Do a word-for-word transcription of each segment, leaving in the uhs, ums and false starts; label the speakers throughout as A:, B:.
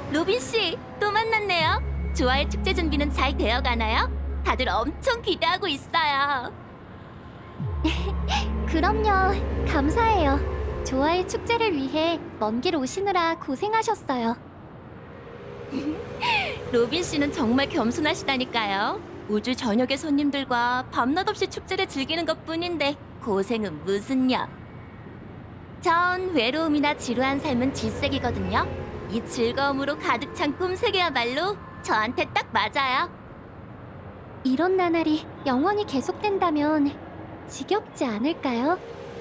A: 로빈 씨, 또 만났네요. 좋아의 축제 준비는 잘 되어 가나요? 다들 엄청 기대하고 있어요.
B: 그럼요. 감사해요. 좋아의 축제를 위해 먼 길 오시느라 고생하셨어요.
A: 로빈 씨는 정말 겸손하시다니까요. 우주 전역의 손님들과 밤낮 없이 축제를 즐기는 것뿐인데 고생은 무슨요. 전 외로움이나 지루한 삶은 질색이거든요. 이 즐거움으로 가득 찬 꿈세계야말로 저한테 딱 맞아요.
B: 이런 나날이 영원히 계속된다면 지겹지 않을까요?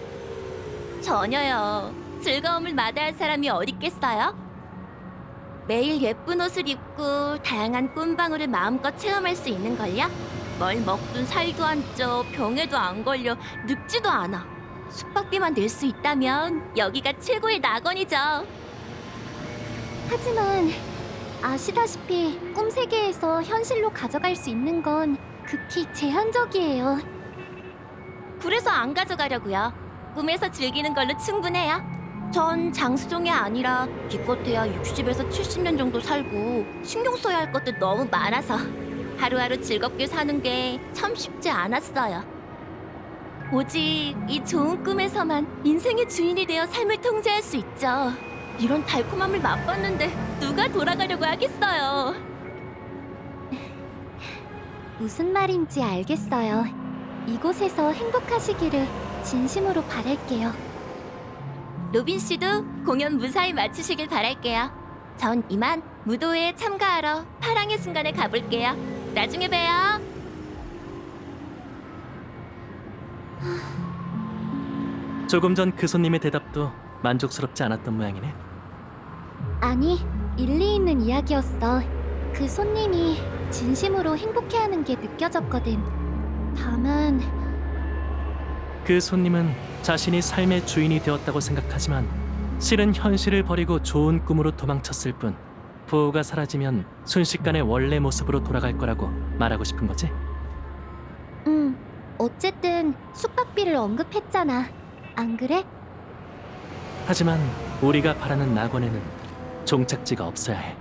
A: 전혀요. 즐거움을 마다할 사람이 어딨겠어요? 매일 예쁜 옷을 입고 다양한 꿈방울을 마음껏 체험할 수 있는걸요? 뭘 먹든 살도 안 쪄, 병에도 안 걸려, 늙지도 않아. 숙박비만 낼 수 있다면 여기가 최고의 낙원이죠.
B: 하지만 아시다시피 꿈 세계에서 현실로 가져갈 수 있는 건 극히 제한적이에요.
A: 그래서 안 가져가려고요. 꿈에서 즐기는 걸로 충분해요. 전 장수종이 아니라 기껏해야 육십에서 칠십 년 정도 살고 신경 써야 할 것도 너무 많아서 하루하루 즐겁게 사는 게 참 쉽지 않았어요. 오직 이 좋은 꿈에서만 인생의 주인이 되어 삶을 통제할 수 있죠. 이런 달콤함을 맛봤는데 누가 돌아가려고 하겠어요.
B: 무슨 말인지 알겠어요. 이곳에서 행복하시기를 진심으로 바랄게요.
A: 로빈 씨도 공연 무사히 마치시길 바랄게요. 전 이만 무도회에 참가하러 파랑의 순간에 가볼게요. 나중에 봬요.
C: 조금 전 그 손님의 대답도 만족스럽지 않았던 모양이네.
B: 아니, 일리 있는 이야기였어. 그 손님이 진심으로 행복해하는 게 느껴졌거든. 다만
C: 그 손님은 자신이 삶의 주인이 되었다고 생각하지만 실은 현실을 버리고 좋은 꿈으로 도망쳤을 뿐 부호가 사라지면 순식간에 원래 모습으로 돌아갈 거라고 말하고 싶은 거지?
B: 음, 어쨌든 숙박비를 언급했잖아. 안 그래?
C: 하지만 우리가 바라는 낙원에는 종착지가 없어야 해.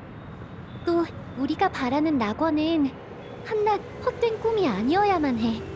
B: 또 우리가 바라는 낙원은 한낱 헛된 꿈이 아니어야만 해.